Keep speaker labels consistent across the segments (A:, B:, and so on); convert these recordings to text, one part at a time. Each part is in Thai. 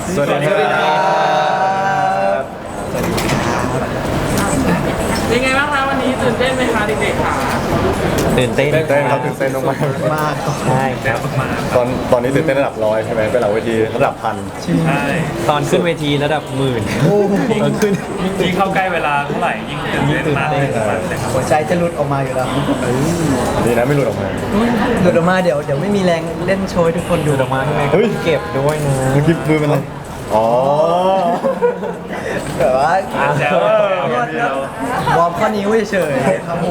A: สวัสดีครับ
B: เป็นไงบ้างคะวันนี้ตื่นเต้นไหมคะเด็กๆค่ะ
C: ตื่นเต้น
A: ตื่นเต้นครับตื่นเต้นมาก
D: มาก
C: ใช่ครับ
A: ตอนนี้ตื่นเต้นระดับร้อยใช่ไหมเป็นหลังเวทีระดับพัน
E: ใช่
C: ตอนขึ้นเวทีระดับหมื่นตอนขึ้น
E: ยิ่งเข้าใกล้เวลาเท่าไหร่ยิ่งตื่นเต้นมากเลยครับ
D: หัวใจจะหลุดออกมาอยู่แล้ว
A: ดีนะไม่หลุดออกมา
D: หลุดออกมาเดี๋ยวไม่มีแรงเล่นโชว์ให้ทุกคนดู
C: ดูดอกไม้ทำไม
A: เฮ้ย
C: เก็บด้วยนะ
A: เมื่อกี้มือมันอะไรอ๋อ
D: แบบว่า
E: แจ๋วอย่างเดียว
D: วอร์มข้อนิ้วเฉยๆครับผม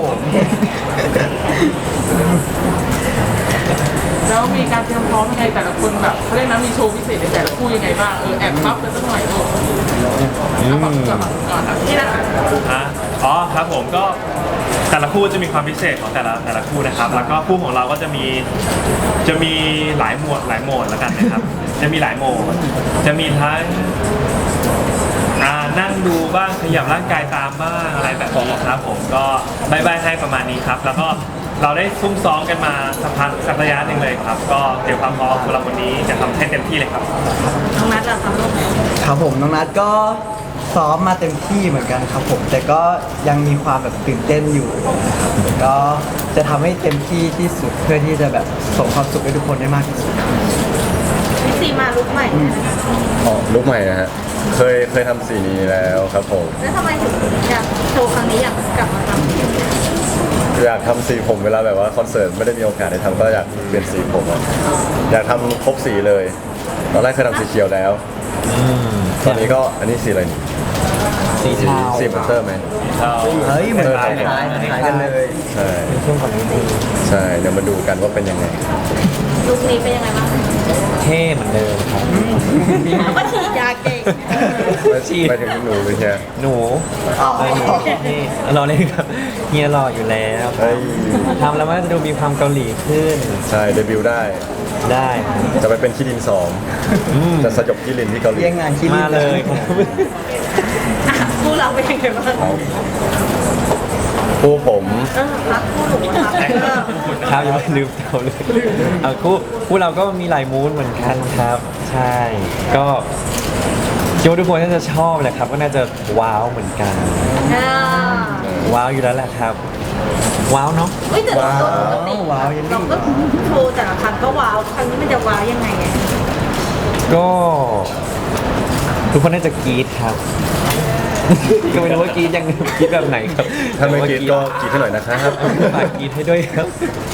B: แล้วมีการเตรียมพร้อมยังไงแต่ละคนแบบเขาเรียกนะมีโชว์พิเศษในแต่ละคู่ยังไงบ้างแอบพับกันสักหน่อยลูกเอาแบบก่อนนี่นะคะ
E: อ๋อครับผมก็แต่ละคู่จะมีความพิเศษของแต่ละคู่นะครับ แล้วก็คู่ของเราก็จะมีหลายโหมดแล้วกันนะครับ จะมีหลายโหมดจะมีทั้งนั่งดูบ้างขยับร่างกายตามบ้างอะไรแบบนี้ครับผมก็บายให้ประมาณนี้ครับ แล้วก็เราได้ซุ่มซ้อมกันมาสักระยะหนึ่งเลยครับ ก็เตรียมความพร้อมสำหรับวันนี้จะทำให้เต็มที่เลยครับ
B: น้องนัทล่ะครับลูก
D: ครับผมน้องนัทก็ซ้อมมาเต็มที่เหมือนกันครับผม แต่ก็ยังมีความแบบตื่นเต้นอยู่นะครับก็จะทำให้เต็มที่ที่สุดเพื่อที่จะแบบส่งความสุขให้ทุกคนได้มากที่สุด
F: พี่ซีมาลุกใหม่
A: อ๋อลุกใหม่นะฮะเคยทำสีนี้แล้วครับผม
F: แล้วทำไมถึงอยากโชว์ครั้งนี้อยากกลับมาทำ
A: อยากทำสีผมเวลาแบบว่าคอนเสิร์ตไม่ได้มีโอกาสได้ทำก็อยากเปลี่ยนสีผมอะอยากทำครบสีเลยตอนแรกเคยทำสีเขียวแล้วตอนนี้ก็อันนี้สีอะไรนี่
C: สีเทา
A: สีบัตเตอร์ไหม
D: เฮ้ยเหมือน
A: ค
D: ค
A: ล้า
D: ล้าย
A: ๆ
D: ๆคล้ายๆกันเลย
A: ใช่
C: ช่วงก่อนนี้ดี
A: ใช่เดี๋ยวมาดูกันว่าเป็นยังไง
F: ลุกนี้เป็นยังไงบ้าง
C: เท่เหมือนเดิมครับ
F: แล้วก็ฉีดยาเก่ง
A: ไปถึงหนูเลยใช่
C: หนูไอ้หนูเท่รอเล่นครับเฮียรออยู่แล้ว
A: เฮ้ย
C: ทำแล้วมันก็จะดูมีความเกาหลีขึ้น
A: ใช่เดบิวต์ได้
C: ได้
A: จะไปเป็นขี้ดินสองจะสยบขี้ลินที่เกาหลี
D: เรียงงานคิริ
C: มาเลยครับ
F: คู่เราเป็นยังไงบ้าง
A: ผู้ผม
F: รักคู่หนูครับ
C: ครับยังไม่ลืมเราเลยคู่เราก็มีหลายมูดเหมือนกันครับ ใช่ก็คิดว่าทุกคนน่าจะชอบแหละครับ ก็น่าจะว้าวเหมือนกัน ว้าวอยู่แล้วแหละครับ ว้าวเนาะ
F: เฮ้ยแต่เราปกติ
D: ว้าวยัน
F: เราก็โชว์แต่ละครั้งก็ว้าวครั้งนี้มันจะว้าวยังไงอะ
C: ก็ทุกคนน่าจะกรี๊ดครับ ก็ไม่รู้ว่ากรี๊ดยังกรี๊ดแบบไหนครับ
A: ถ้าไม่กรีดก็กรีดให้หน่อยนะครับ
C: ฝากกรี๊ดให้ด้วยครับ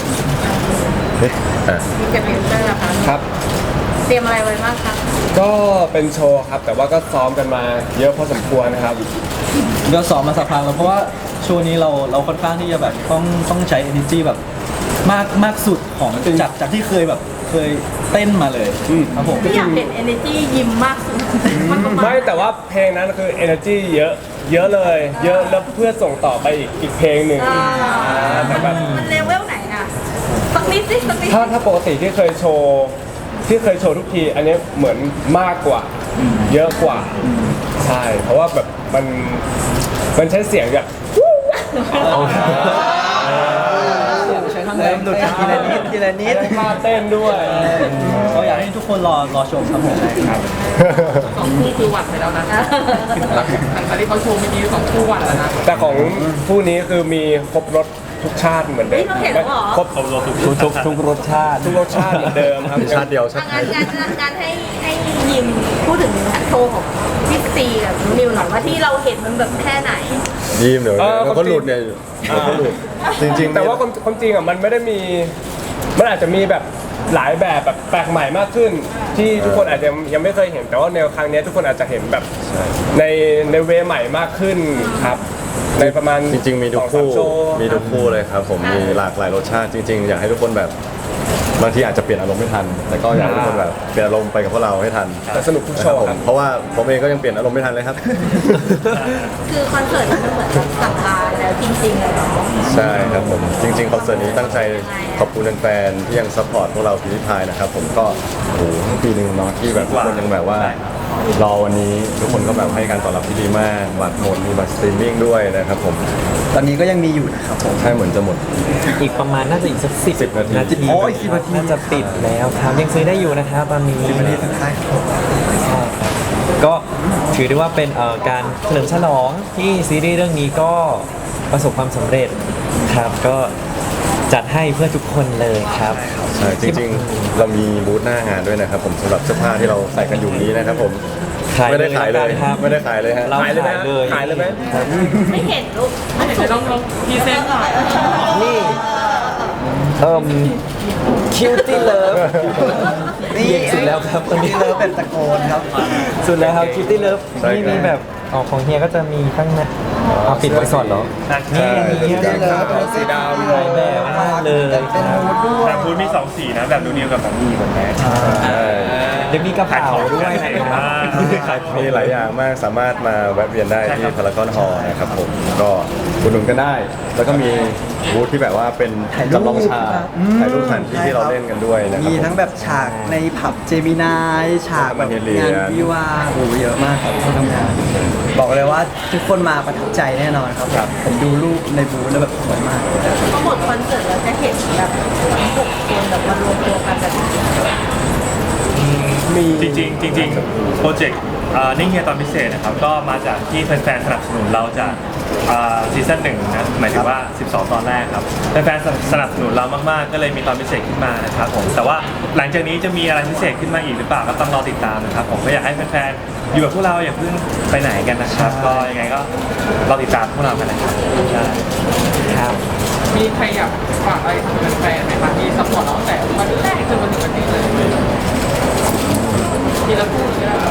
A: อ่ะ
F: มีกับเอนเตอร์นะคะ
G: ครับ
F: เตรียมอะไรไว้บ้างคะ
G: ก็เป็นโชว์ครับ แต่ว่าก็ซ้อมกันมาเยอะพอสมควรนะครับ
H: ก็ซ้อมมาสักพักแล้วเพราะว่าโชว์นี้เราค่อนข้างที่จะแบบต้องใช้ energy แบบมากสุดของจากที่เคยแบบเคยเต้นมาเลยครับผม
F: ที่อยากเห็น energy ยิ้มมากสุดมันประมาณ
G: ไม่แต่ว่าเพลงนั้นคือ energy เยอะเลย เยอะแล้วเพื่อส่งต่อไปอีกเพลงหนึ่งแต่แบบ
F: มันเลเวลไหนอะสักนิดสิสักนิด
G: ถ้าปกติที่เคยโชว์ทุกที อันนี้เหมือนมากกว่า เยอะกว่า ใช่ เพราะว่าแบบมันใช้เสียงแบบ
H: ใช้ทั้ง
D: เริ่มหลุดทีละนิดทีละนิด
G: ได้ท่าเต้นด้วย
H: ก็อยากให้ทุกคนรอชมครับผม
B: สองคู่คือหวัดไปแล้วนะหลังจากที่เขาโชว์เมื่อกี้สองคู่หวัดแล้วนะ
G: แต่ของผู้นี้คือมีครบรสทุกชาติเหมือนเดิ
F: เฮ้ย
G: ม
F: เราเห็นแล้วเหรอ
G: ครบ
E: อบรม
C: ทุกรสชาติ
G: ทุกรสชาติเหมือนเดิมครับ
A: มีชาติเดียวชาติไท
F: งาย นให้ยิมพูดถึงโชว์ของพี่ซีกับนิวหน่อยว่าที่เราเห็นมันแบบแค่ไหน
A: ยิ้มเดี๋ยวมันก็หลุดเนี่ยมันก็หลุดจริงๆ
G: แต่ว่าความจริงอ่ะมันไม่ได้มี มันอาจจะมีแบบหลายแบบแปลกใหม่มากขึ้น ที่ทุกคนอาจจะยังไม่เคยเห็นแต่ว่าในครั้งนี้ทุกคนอาจจะเห็นแบบในเวใหม่มากขึ้นครับ ในประมาณ
A: จริงๆมีทุกคู่
G: 2-3โชว์
A: มีทุกคู่เลยครับผมมีหลากหลายรสชาติจริง ๆ อยากให้ทุกคนแบบบางทีอาจจะเปลี่ยนอารมณ์ไม่ทัน แต่ก็อยากให้ทุกคนแบบเปลี่ยนอารมณ์ไปกับพวกเราให้ทัน
G: แต่สนุกทุกโชว์
A: ผม
G: ครับ
A: เพราะว่าผมเองก็ยังเปลี่ยนอารมณ์ไม่ทันเลยครับ
F: คือคอนเสิร์ตมันเหมือนกับสั่งลาแล้วจริงๆเลยเนาะ
A: ใช่ครับผมจริงๆคอนเสิร์ตนี้ตั้งใจขอบคุณแฟนๆที่ยังซัพพอร์ตพวกเราพิธีพายนะครับผมก็โอ้โหทั้งปีหนึ่งเนาะที่แบบทุกคนยังแบบว่ารอวันนี้ทุกคนก็แบบให้การตอบรับที่ดีมากบัตรหมดมีบัตรสตรีมมิ่งด้วยนะครับผม
D: ตอนนี้ก็ยังมีอยู่นะครับผม
A: ใช่เหมือนจะหมด
C: อีกประมาณน่าจะอีกสัก10
A: นาที
C: โอ้ย10 นาทีน่าจะปิดแล้วครับยังซื้อได้อยู่นะครับตอนนี้
D: 10 นาทีสุดท้ายครับ
C: ใช่ครับถือได้ว่าเป็นการเฉลิมฉลองที่ซีรีส์เรื่องนี้ก็ประสบความสำเร็จครับก็จัดให้เพื่อทุกคนเลยครับ
A: ใช่จริงๆ เรามีบูธหน้างานด้วยนะครับผมสำหรับเสื้อผ้าที่เราใส่กันอยู่นี้นะครับผม
C: ขาย
A: ไม่ได้ขายเลย
C: ครับ
A: ไม่ได้ขายเลยฮะ
C: เรา
G: ขายเลยไหม
C: ขายเลย
G: ขายเลยไหม
C: ครับ
F: ไม่เห็นลูก
B: เดี๋ยวลองพรีเซนต์หน่อย
C: นี่คิวตี้เลิฟ
D: นี่
C: เย็นสุดแล้วครับคนนี้
D: เลิฟเป็นตะโกนครับ
C: สุดแล้วครับคิวตี้เลิฟ
A: ใช่ครับ
C: นี่มีแบบของเฮียก็จะมีข้างในเอาปิดไว้ก่อนเหรอ
E: ใช่
C: นี่มี
D: สีดำ
G: สีดำ
C: หลายแบบมากเลยครับ
E: แต่พูดมี2สีนะแบบนูนิวกับแบบนี้เหมือนกัน
C: เดี๋ยวมีกระเป๋าด้วยนะครับ
A: มีหลายอย่างมากสามารถมาแวะเวียนได้ที่พารากอนฮอลล์นะครับผมก็อุดหนุนกันได้ แล้วก็มีบูธที่แบบว่าเป็น
D: ถ่ายรูป
A: จำลองฉาก
D: ครับ
A: ถ่ายรูปสถานที่ที่เราเล่นกันด้วยนะครับ
D: มีทั้งแบบฉากในผับเจมินายฉากแบบงานวิวาห์โอ้โหเยอะมากครับที่ทำงานบอกเลยว่าทุกคนมาประทับใจแน่นอนครับผมดูรูปในบูธแล้วแบบสวยมาก
F: พอหมดคอนเสิร์ตแล้วจะเห็นแบบทั้ง6คนแบบมารวมตัวกันแบบนี้
E: จริงๆโปรเจกต์นิ่งเฮียตอนพิเศษนะครับก็มาจากที่แฟนๆสนับสนุนเราจากซีซั่น1นะหมายถึงว่า 12 ตอนแรกครับแฟนๆสนับสนุนเรามากๆก็เลยมีตอนพิเศษขึ้นมานะครับผมแต่ว่าหลังจากนี้จะมีอะไรพิเศษขึ้นมาอีกหรือเปล่าก็ต้องรอติดตามนะครับผมก็อยากให้แฟนๆอยู่กับพวกเราอย่าเพิ่งไปไหนกันนะครับก็ยังไงก็รอติดตามพวกเรากันนะครับใช่
C: ครับ
B: มีใครอยากฝากอะไรถึงแฟนๆไหมคะที่ซัพพอร์ตเราตั้งแต่วันแรกจนมาถึงวันนี้เลยทีละคู่เลยนะ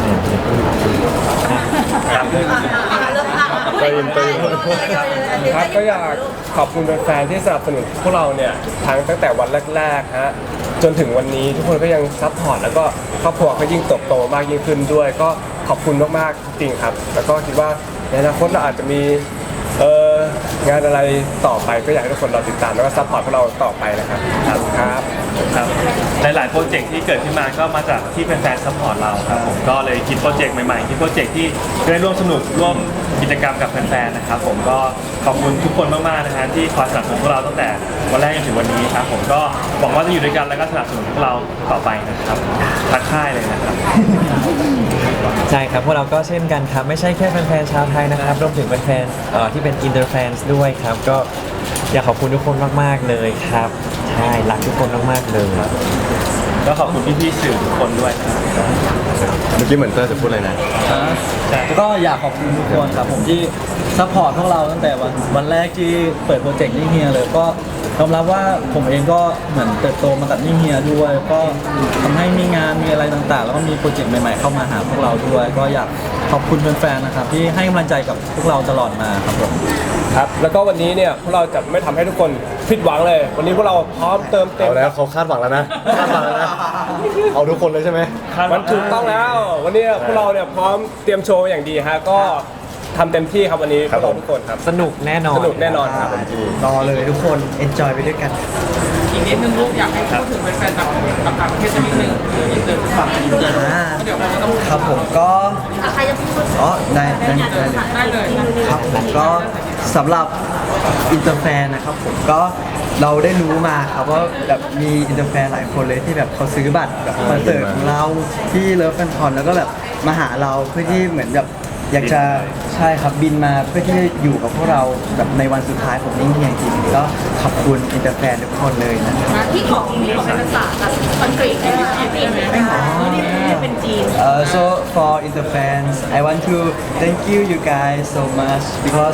E: ครับ
A: ไปอินไปอิน
G: ครับก็อยากขอบคุณแฟนๆที่สนับสนุนพวกเราเนี่ยตั้งแต่วันแรกๆฮะจนถึงวันนี้ทุกคนก็ยังซัพพอร์ตแล้วก็ครอบครัวก็ยิ่งเติบโตมากยิ่งขึ้นด้วย ก็ขอบคุณมากๆจริงๆครับ แล้วก็คิดว่าในอนาคตเราอาจจะมีงานอะไรต่อไปก็อยากให้ทุกคนรอติดตามแล้วก็ซัพพอร์ตพวกเราต่อไปนะครับครับ
E: ครับหลายๆโปรเจกต์ที่เกิดขึ้นมาก็มาจากที่แฟนๆซัพพอร์ตเราครับผมก็เลยคิดโปรเจกต์ใหม่ๆคิดโปรเจกต์ที่ได้ร่วมสนุกร่วมกิจกรรมกับแฟนๆนะครับผมก็ขอบคุณทุกคนมากๆนะฮะที่คอยสนับสนุนพวกเราตั้งแต่วันแรกจนถึงวันนี้ครับผมก็หวังว่าจะอยู่ด้วยกันแล้วก็สนับสนุนพวกเราต่อไปนะครับทักค่ายเลยนะครับ
C: ใช่ครับพวกเราก็เช่นกันครับ ไม่ใช่แค่แฟนๆชาวไทยนะครับรวมถึงแฟนๆที่เป็นอินเตอร์แฟนด้วยครับ ก็อยากขอบคุณทุกคนมากๆเลยครับใช่รักทุกคนมากๆเลย
E: ก็ขอบคุณพี่ๆสื่อทุกคนด้วยครับ
A: เมื่อกี้เหมือนเตอร์จะพูดอะไรนะ
H: ก็อยากขอบคุณทุกคนครับผมที่ซัพพอร์ตพวกเราตั้งแต่วันแรกที่เปิดโปรเจกต์นิ่งเฮียเลยก็ยอมรับว่าผมเองก็เหมือนเติบโตมากับนิ่งเฮียด้วย ก็ทำให้มีงานมีอะไรต่างๆ แล้วก็มีโปรเจกต์ใหม่ๆเข้ามาหาพวกเราด้วย ก็อยากขอบคุณแฟนๆนะครับที่ให้กำลังใจกับพวกเราตลอดมาครับผม
G: ครับแล้วก็วันนี้เนี่ยพวกเราจะไม่ทำให้ทุกคนผิดหวังเลย วันนี้พวกเราพร้อมเติมเต็ม
A: เอาแล้วเขาคาดหวังแล้วนะคาดหวังแล้วนะเอาทุกคนเลยใช่ไหม
G: มันถูกต้องแล้ว วันนี้พวกเราเนี่ยพร้อมเตรียมโชว์อย่างดีฮะก็ทำเต็มที่ครับวันนี้พวกเราทุกคนครับ
C: สนุกแน่นอน
G: สนุกแน่นอนครับ
D: รอเลยทุกคน enjoy ไปด้วยกัน
B: อีกนิดนึงลูกอยากให้พูดถึงแฟนๆต่างประเทศสักนิดนึงอินเตอร์ฝั่งอินเตอร์เดี๋ยวเราต้อง
D: ครับผมก็
F: ใครจะพูด
D: อ๋อได้เลย
B: ได้เลย
D: ครับผมก็สำหรับอินเตอร์แฟนนะครับผมก็เราได้รู้มาครับว่าแบบมีอินเตอร์แฟนหลายคนเลยที่แบบเขาซื้อบัตรแบบคอนเสิร์ตของเราที่เลิฟแฟนคอนแล้วก็แบบมาหาเราเพื่อที่เหมือนแบบอยากจะใช่ครับบินมาเพื่อที่จะอยู่กับพวกเราแบบในวันสุดท้ายของนิ่งเฮียจริงๆก็ขอบคุณอินเตอร์แฟนทุกคนเลยนะครับ
F: ที่ของมีของเป็นภาษาแบบคอนกรีตเป็นภาษาจีนนี่เป็นจีน
D: So for Inter fans, I want to thank you guys so much because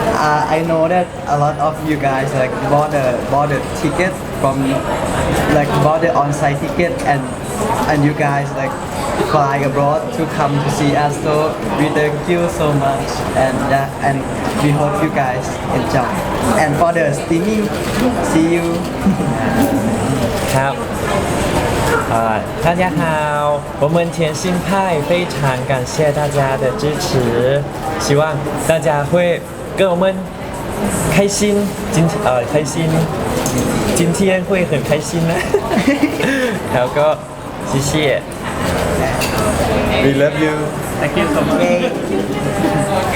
D: I know that a lot of you guys like bought the ticket from like bought the on-site ticket and you guys like fly abroad to come to see us. So we thank you so much and we hope you guys enjoy. And for the streaming, see you.
C: ครับ大家好，我们甜心派非常感谢大家的支持，希望大家会跟我们开心，开心，今天会很开心นะ แล้วก็谢谢
A: We love you
E: Thank you so much
B: โอเค